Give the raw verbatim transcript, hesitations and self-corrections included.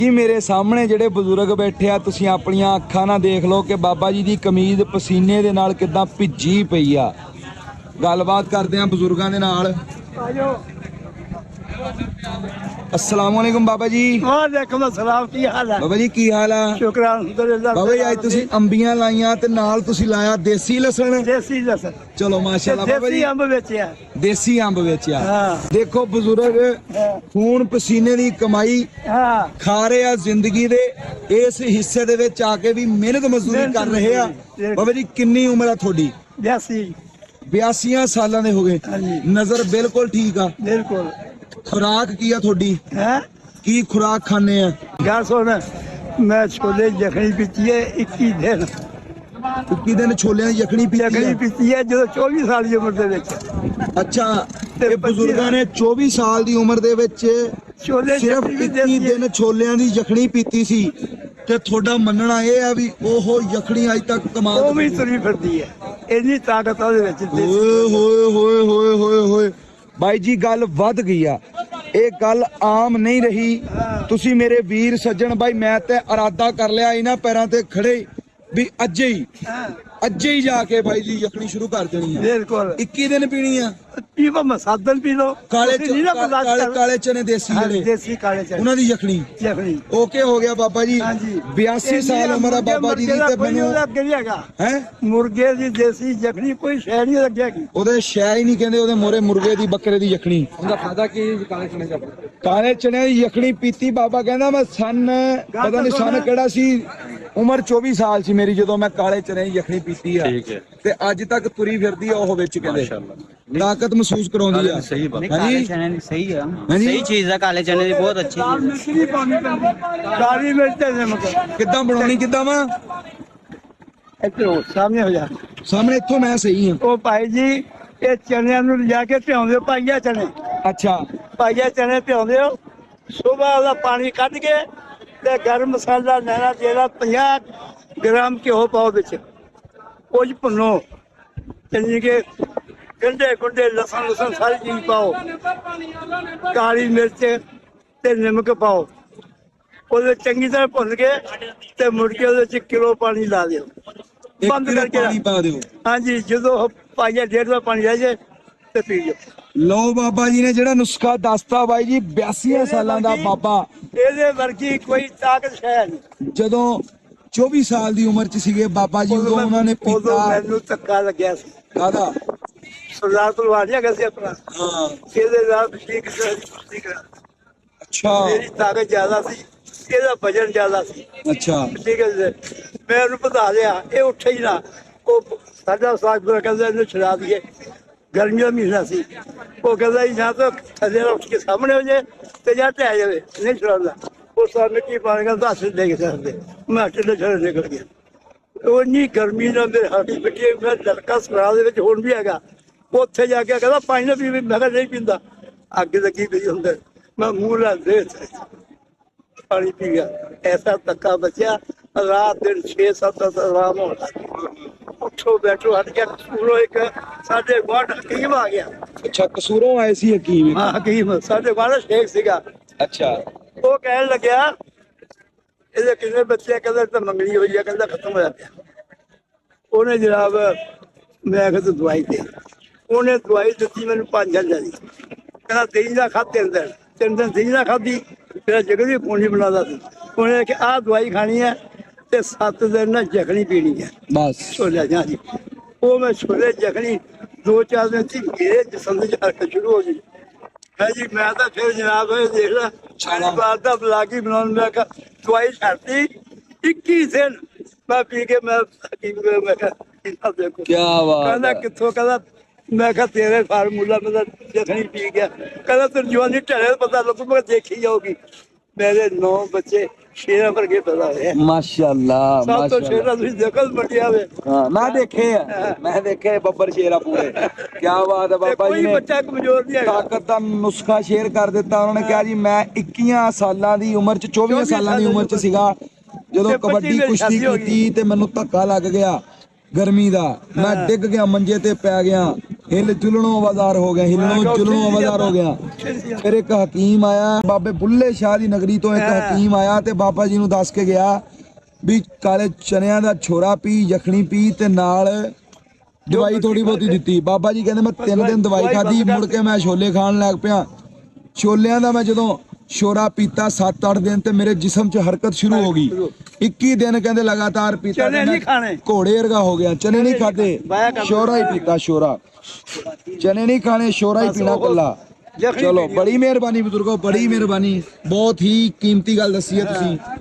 ਜੀ ਮੇਰੇ ਸਾਹਮਣੇ ਜਿਹੜੇ ਬਜ਼ੁਰਗ ਬੈਠੇ ਆ, ਤੁਸੀਂ ਆਪਣੀਆਂ ਅੱਖਾਂ ਨਾਲ ਦੇਖ ਲਓ ਕਿ ਬਾਬਾ ਜੀ ਦੀ ਕਮੀਜ਼ ਪਸੀਨੇ ਦੇ ਨਾਲ ਕਿੱਦਾਂ ਭਿੱਜੀ ਪਈ ਆ। ਗੱਲਬਾਤ ਕਰਦੇ ਆ ਬਜ਼ੁਰਗਾਂ ਦੇ ਨਾਲ। अस्सलाम वालेकुम बाबा जी। वालेकुम अस्सलाम। की हाल है बाबा जी? की हाल है? शुक्र अल्हम्दुलिल्लाह। बाबा जी आज तुसी अंबियां लाइयां ते नाल तुसी लाया देसी लसन। देसी लसन। चलो माशाल्लाह बाबा जी। देसी अंब बेचिया। देसी अंब बेचिया। हां देखो बुजुर्ग खून पसीने दी कमाई हां खा रहे आ जिंदगी दे इस हिस्से दे विच आके भी मेहनत मजदूरी कर रहे आ। बाबा जी किन्नी उम्र है थोड़ी? बयासी बयासी सालां दे हो गए। नजर बिल्कुल ठीक आ? बिल्कुल। खुराक की है थोड़ी है की खुराक खाने हैं? गल सुन, मैं छोले यखनी पीती है इक्कीस दिन। इक्कीस दिन छोले यखनी पीती यखनी है? पीती है जो चौबीस साल की उम्र दे विच। अच्छा ते बुजुर्गां ने चौबीस साल दी उम्र दे विच छोले सिर्फ इक्कीस दिन छोलियां दी यखनी पीती सी ते थोड़ा मनना ये है भी ओहो यखनी अज तक कमाल वो भी तुरी फिरदी है। इन्नी ताकत ओदे विच। ओए होए होए होए होए होए भाई जी गल वध गई आ। ਇਹ ਗੱਲ ਆਮ ਨਹੀਂ ਰਹੀ। ਤੁਸੀਂ ਮੇਰੇ ਵੀਰ ਸੱਜਣ ਭਾਈ, ਮੈਂ ਤੇ ਇਰਾਦਾ ਕਰ ਲਿਆ ਇਹਨਾਂ ਪੈਰਾਂ ਤੇ ਖੜੇ ਵੀ ਅੱਜੇ ਹੀ ਅੱਜੇ ਹੀ ਜਾ ਕੇ ਭਾਈ ਜੀ ਯਖਣੀ ਸ਼ੁਰੂ ਕਰ ਦੇਣੀ ਆ। ਬਿਲਕੁਲ ਇੱਕੀ ਦਿਨ ਪੀਣੀ ਆ। ਪੀਵੋ ਮਸਾਦਨ ਪੀ ਲੋ। ਕਾਲੇ ਕਾਲੇ ਕਾਲੇ ਚਨੇ ਦੇਸੀ ਜਿਹੜੇ ਦੇਸੀ ਕਾਲੇ ਚਨੇ ਉਹਨਾਂ ਦੀ ਯਖਣੀ ਯਖਣੀ ਓਕੇ ਹੋ ਗਿਆ ਬਾਬਾ ਜੀ। ਬਿਆਸੀ ਸਾਲ ਉਮਰ ਆ ਬਾਬਾ ਜੀ ਦੀ ਤੇ ਮੈਨੂੰ ਅੱਗੇ ਨਹੀਂ ਹੈਗਾ ਹੈ ਮੁਰਗੇ ਦੀ ਦੇਸੀ ਯਖਣੀ ਕੋਈ ਸ਼ੈ ਨਹੀਂ ਲੱਗੇਗੀ। ਉਹਦੇ ਸ਼ੈ ਹੀ ਨਹੀਂ ਕਹਿੰਦੇ, ਉਹਦੇ ਮੋਰੇ ਮੁਰਗੇ ਦੀ ਬੱਕਰੇ ਦੀ ਯਖਣੀ। ਉਹਦਾ ਫਾਇਦਾ ਕੀ? ਕਾਲੇ ਚਨੇ ਦਾ ਕਾਲੇ ਚਨੇ ਦੀ ਯਖਣੀ ਪੀਤੀ ਬਾਬਾ ਕਹਿੰਦਾ ਮੈਂ ਸਨ ਪਤਾ ਨਹੀਂ ਸਨ ਕਿਹੜਾ ਸੀ, ਉਮਰ ਚੌਵੀ ਸਾਲ ਸੀ ਮੇਰੀ ਜਦੋਂ ਮੈਂ ਕਾਲੇ ਚਨੇ ਦੀ ਯਖਣੀ ਪੀਤੀ ਆ। ਠੀਕ ਹੈ। ਤੇ ਅੱਜ ਤੱਕ ਤੁਰੀ ਫਿਰਦੀ ਆ ਉਹ ਵਿੱਚ ਕਹਿੰਦੇ ਤਾਕਤ ਮਹਿਸੂਸ ਕਰਾਉਂਦੀ ਆ। ਸਹੀ ਬਾਤ। ਹਾਂਜੀ चने सही है, ਹਾਂਜੀ सही चीज है। काले चने की बहुत अच्छी चीज है। ਕਾਲੀ ਮਿਰਚ ਤੇ ਨਮਕ ਕਿੱਦਾਂ ਬਣਾਉਣੀ ਕਿੱਦਾਂ ਵਾ? ਇੱਥੇ ਹੋ ਸਾਹਮਣੇ ਹੋ ਜਾ। ਸਾਹਮਣੇ ਇੱਥੋਂ ਮੈਂ ਸਹੀ ਆ। ਉਹ ਭਾਈ ਜੀ ਇਹ ਚਨਿਆਂ ਨੂੰ ਲਿਜਾ ਕੇ ਭਿਉਂਦੇ ਹੋ ਪਾਈਆ ਚਨੇ। ਅੱਛਾ ਪਾਈਆ ਚਨੇ ਭਿਉਂਦੇ ਹੋ, ਸਵੇਰ ਉਹਦਾ ਪਾਣੀ ਕੱਢ ਕੇ ਤੇ ਗਰਮ ਮਸਾਲਾ ਲੈਣਾ ਜਿਹੜਾ ਪੰਜਾਹ ਗ੍ਰਾਮ ਘਿਓ ਪਾਓ ਵਿੱਚ, ਉਹ 'ਚ ਭੁੰਨੋ ਚੰਗੀ ਕੇ ਗੰਢੇ ਗੁੰਡੇ ਲਸਣ ਲਸਣ ਸਾਰੀ ਚੀਜ਼ ਪਾਓ, ਕਾਲੀ ਮਿਰਚ ਤੇ ਨਮਕ ਪਾਓ, ਉਹਦੇ ਚੰਗੀ ਤਰ੍ਹਾਂ ਭੁੰਨ ਕੇ ਤੇ ਮੁੜ ਕੇ ਉਹਦੇ 'ਚ ਕਿਲੋ ਪਾਣੀ ਲਾ ਦਿਓ, ਬੰਦ ਇੱਕ ਕਰਕੇ। ਪਾਣੀ ਪਾ ਦਿਓ। ਹਾਂਜੀ ਜਦੋਂ ਪਾਈਆ ਡੇਢ ਦਾ ਪਾਣੀ ਰਹਿ ਜਾਏ ਤੇ ਪੀ ਜਾਓ। ਲਓ ਬਾਬਾ ਜੀ ਨੇ ਜਿਹੜਾ ਨੁਸਖਾ ਦੱਸਤਾ ਬਾਈ ਜੀ, ਬਿਆਸੀ ਸਾਲਾਂ ਦਾ ਬਾਬਾ, ਇਹਦੇ ਵਰਗੀ ਕੋਈ ਤਾਕਤ ਹੈ ਨਹੀਂ। ਜਦੋਂ ਚੌਵੀ ਸਾਲ ਦੀ ਉਮਰ ਚ ਸੀਗੇ ਬਾਬਾ ਜੀ ਉਦੋਂ ਉਹਨਾਂ ਨੇ ਉਦੋਂ ਪੀਤਾ। ਮੈਨੂੰ ਧੱਕਾ ਲੱਗਿਆ ਸੀ। ਕਾਹਦਾ? ਸਰਦਾਰ ਤਲਵਾਰ ਨਹੀਂ ਹੈਗਾ ਸੀ ਆਪਣਾ, ਹਾਂ ਇਹਦੇ ਨਾਲ ਠੀਕ ਠੀਕ ਅੱਛਾ ਮੇਰੀ ਤਾਕਤ ਜ਼ਿਆਦਾ ਸੀ, ਇਹਦਾ ਵਜਨ ਜ਼ਿਆਦਾ ਸੀ। ਅੱਛਾ ਠੀਕ ਹੈ ਜੀ, ਮੈਂ ਉਹਨੂੰ ਵਧਾ ਲਿਆ, ਇਹ ਉੱਠੇ ਹੀ ਨਾ। ਉਹ ਸਾਡਾ ਸਾਥ ਕਹਿੰਦਾ ਇਹਨੂੰ ਛੁਡਾ ਦਈਏ, ਗਰਮੀ ਦਾ ਮਹੀਨਾ ਸੀ। ਉਹ ਕਹਿੰਦਾ ਜੀ ਜਾਂ ਤਾਂ ਥੱਲੇ ਨਾਲ ਉੱਠ ਕੇ ਸਾਹਮਣੇ ਹੋ ਜਾਏ ਤੇ ਜਾਂ ਢਹਿ ਜਾਵੇ, ਨਹੀਂ ਛੁਡਾਉਂਦਾ। ਉਹ ਸਾਰ ਮਿੱਟੀ ਪਾ ਕੇ ਹੱਥ ਦੇ ਕੇ ਸਕਦੇ, ਮੈਂ ਹੱਥ ਦੇ ਛੜੇ ਨਿਕਲ ਗਿਆ। ਉਹ ਇੰਨੀ ਗਰਮੀ ਨਾਲ ਮੇਰੇ ਹੱਥ ਮਿੱਟੀ, ਮੈਂ ਲੜਕਾ ਸਰਾਹ ਦੇ ਵਿੱਚ ਹੁਣ ਵੀ ਹੈਗਾ। ਉੱਥੇ ਜਾ ਕੇ ਕਹਿੰਦਾ ਪਾਣੀ ਨਾ ਪੀਵੇ, ਮੈਂ ਕਿਹਾ ਨਹੀਂ ਪੀਂਦਾ, ਅੱਗ ਲੱਗੀ ਪਈ ਹੁੰਦੇ। ਮੈਂ ਮੂੰਹ ਲਾ ਦੇ ਪਾਣੀ ਪੀ ਗਿਆ। ਐਸਾ ਧੱਕਾ ਬਚਿਆ, ਰਾਤ ਦਿਨ ਛੇ ਸੱਤ ਆਰਾਮ ਹੋਣਾ। ਉੱਠੋ ਬੈਠੋ ਹਟ ਗਿਆ। ਕਸੂਰੋਂ ਇੱਕ ਸਾਡੇ ਗੁਆਂਢ ਹਕੀਮ ਆ ਗਿਆ। ਅੱਛਾ ਕਸੂਰੋਂ ਆਏ ਸੀ ਹਕੀਮ? ਹਾਂ ਹਕੀਮ ਸਾਡੇ ਗੁਆਂਢ ਸ਼ੇਖ ਸੀਗਾ। ਅੱਛਾ ਉਹ ਕਹਿਣ ਲੱਗਿਆ ਇਹਦੇ ਕਿੰਨੇ ਬੱਚੇ? ਕਹਿੰਦਾ ਤਾਂ ਮੰਗਣੀ ਹੋਈ ਆ, ਕਹਿੰਦਾ ਖਤਮ ਹੋਇਆ ਪਿਆ। ਉਹਨੇ ਜਨਾਬ ਮੈਂ ਕਿਹਾ ਦਵਾਈ ਦੇ, ਉਹਨੇ ਦਵਾਈ ਦਿੱਤੀ ਮੈਨੂੰ ਪੰਜ ਹਜ਼ਾਰ ਦੀ। ਕਹਿੰਦਾ ਦਹੀਂ ਦਾ ਖਾ ਤਿੰਨ ਦਿਨ ਤਿੰਨ ਦਿਨ ਦਹੀਂ ਦਾ ਖਾਧੀ, ਫਿਰ ਜਗ੍ਹਾ ਵੀ ਪੂਣੀ ਬਣਾਉਂਦਾ ਸੀ। ਉਹਨੇ ਕਿ ਆਹ ਦਵਾਈ ਖਾਣੀ ਹੈ ਤੇ ਸੱਤ ਦਿਨ ਨਾ ਯਖਣੀ ਪੀਣੀ ਹੈ ਬਸ। ਛੋਲੇ ਜਾਂ ਜੀ ਉਹ ਮੈਂ ਛੋਲੇ ਯਖਣੀ ਦੋ ਚਾਰ ਦਿਨ ਸੀ, ਮੇਰੇ ਜਿਸਮ ਦੇ ਹਰਕਤ ਸ਼ੁਰੂ ਹੋ ਗਈ ਹੈ ਜੀ। ਮੈਂ ਤਾਂ ਫਿਰ ਜਨਾਬ ਇਹ ਦੇਖ ਲਾ ਸਾਰੀ ਬਾਤ ਦਾ ਬਲਾਗੀ ਬਣਾਉਣ। ਮੈਂ ਕਿਹਾ ਦਵਾਈ ਛੱਡਤੀ ਇੱਕੀ ਦਿਨ ਮੈਂ ਪੀ ਕੇ ਮੈਂ ਹਕੀਮ ਕੋਲ ਮੈਂ ਕਿਹਾ ਇਹਨਾਂ ਦੇਖੋ ਕੀ ਬਾਤ ਕਹਿੰਦਾ ਹੈ। ਕਿੱਥੋਂ? ਕਹਿੰਦਾ ਮੈਂ ਕਿਹਾ ਤੇਰੇ ਫਾਰਮੂਲਾ ਮੈਂ ਤਾਂ ਯਖਣੀ ਪੀ ਗਿਆ। ਕਹਿੰਦਾ ਤੈਨੂੰ ਜਵਾਨੀ ਢਲੇ ਪਤਾ ਲੱਗੂ। ਮੈਂ ਦੇਖੀ ਜਾਊਗੀ। ਮੇਰੇ ਨੌ ਬੱਚੇ ਸ਼ੇਰਾਂ ਵਰਗੇ ਪੈਦਾ ਹੋਏ। ਮਾਸ਼ਾਅੱਲਾ ਸਭ ਤੋਂ ਮਾਸ਼ਾਅੱਲਾ। ਸ਼ੇਰਾਂ ਤੁਸੀਂ ਦੇਖੋ ਮੰਡੀਆਂ ਵੇ। ਹਾਂ ਮੈਂ ਦੇਖੇ ਆ, ਮੈਂ ਦੇਖੇ ਬੱਬਰ ਸ਼ੇਰਾ ਪੂਰੇ। ਕੀ ਬਾਤ ਹੈ ਬਾਬਾ ਜੀ ਕੋਈ ਨੇ ਬੱਚਾ ਕਮਜ਼ੋਰ ਨਹੀਂ ਹੈਗਾ। ਤਾਕਤ ਦਾ ਨੁਸਖਾ ਸ਼ੇਅਰ ਕਰ ਦਿੱਤਾ। ਉਹਨਾਂ ਨੇ ਕਿਹਾ ਜੀ ਮੈਂ ਇੱਕੀ ਸਾਲਾਂ ਦੀ ਉਮਰ ਚ ਚੌਵੀ ਸਾਲਾਂ ਦੀ ਉਮਰ ਚ ਸੀਗਾ ਜਦੋਂ ਕਬੱਡੀ ਕੁਸ਼ਤੀ ਕੀਤੀ ਤੇ ਮੈਨੂੰ ਧੱਕਾ ਲੱਗ ਗਿਆ ਗਰਮੀ ਦਾ। ਮੈਂ ਡਿੱਗ ਗਿਆ, ਮੰਜੇ ਤੇ ਪੈ ਗਿਆ। ਹਿਲ ਜੁਲਣੋਂ ਆਵਾਜ਼ਾਰ ਹੋ ਗਿਆ ਹਿਲਣੋਂ ਜੁਲਣੋਂ ਆਵਾਜ਼ਾਰ ਹੋ ਗਿਆ ਫਿਰ ਇੱਕ ਹਕੀਮ ਆਇਆ ਬਾਬੇ ਬੁੱਲੇ ਸ਼ਾਹ ਦੀ ਨਗਰੀ ਤੋਂ ਇੱਕ ਹਕੀਮ ਆਇਆ ਤੇ ਬਾਬਾ ਜੀ ਨੂੰ ਦੱਸ ਕੇ ਗਿਆ ਵੀ ਕਾਲੇ ਚਨਿਆਂ ਦਾ ਛੋਰਾ ਪੀ ਯਖਣੀ ਪੀ ਤੇ ਨਾਲ ਦਵਾਈ ਥੋੜੀ ਬਹੁਤੀ ਦਿੱਤੀ ਬਾਬਾ ਜੀ ਕਹਿੰਦੇ ਮੈਂ ਤਿੰਨ ਦਿਨ ਦਵਾਈ ਖਾਧੀ ਮੁੜ ਕੇ ਮੈਂ ਛੋਲੇ ਖਾਣ ਲੱਗ ਪਿਆ ਛੋਲਿਆਂ ਦਾ ਮੈਂ ਜਦੋਂ ਸ਼ੋਰਾ ਪੀਤਾ ਸੱਤ ਅੱਠ ਦਿਨ ਤੇ ਮੇਰੇ ਜਿਸਮ 'ਚ ਹਰਕਤ ਸ਼ੁਰੂ ਹੋ ਗਈ ਇੱਕੀ ਦਿਨ ਕਹਿੰਦੇ ਲਗਾਤਾਰ ਪੀਤਾ ਚਨੇ ਨਹੀਂ ਖਾਣੇ ਘੋੜੇ ਵਰਗਾ ਹੋ ਗਿਆ ਚਨੇ ਨਹੀਂ ਖਾਦੇ ਸ਼ੋਰਾ ਹੀ ਪੀਤਾ ਸ਼ੋਰਾ ਚਨੇ ਨਹੀਂ ਖਾਣੇ ਸ਼ੋਰਾ ਹੀ ਪੀਣਾ ਕੱਲਾ ਚਲੋ ਬੜੀ ਮਿਹਰਬਾਨੀ ਬਜ਼ੁਰਗੋ ਬੜੀ ਮਿਹਰਬਾਨੀ ਬਹੁਤ ਹੀ ਕੀਮਤੀ ਗੱਲ ਦੱਸੀ ਹੈ ਤੁਸੀਂ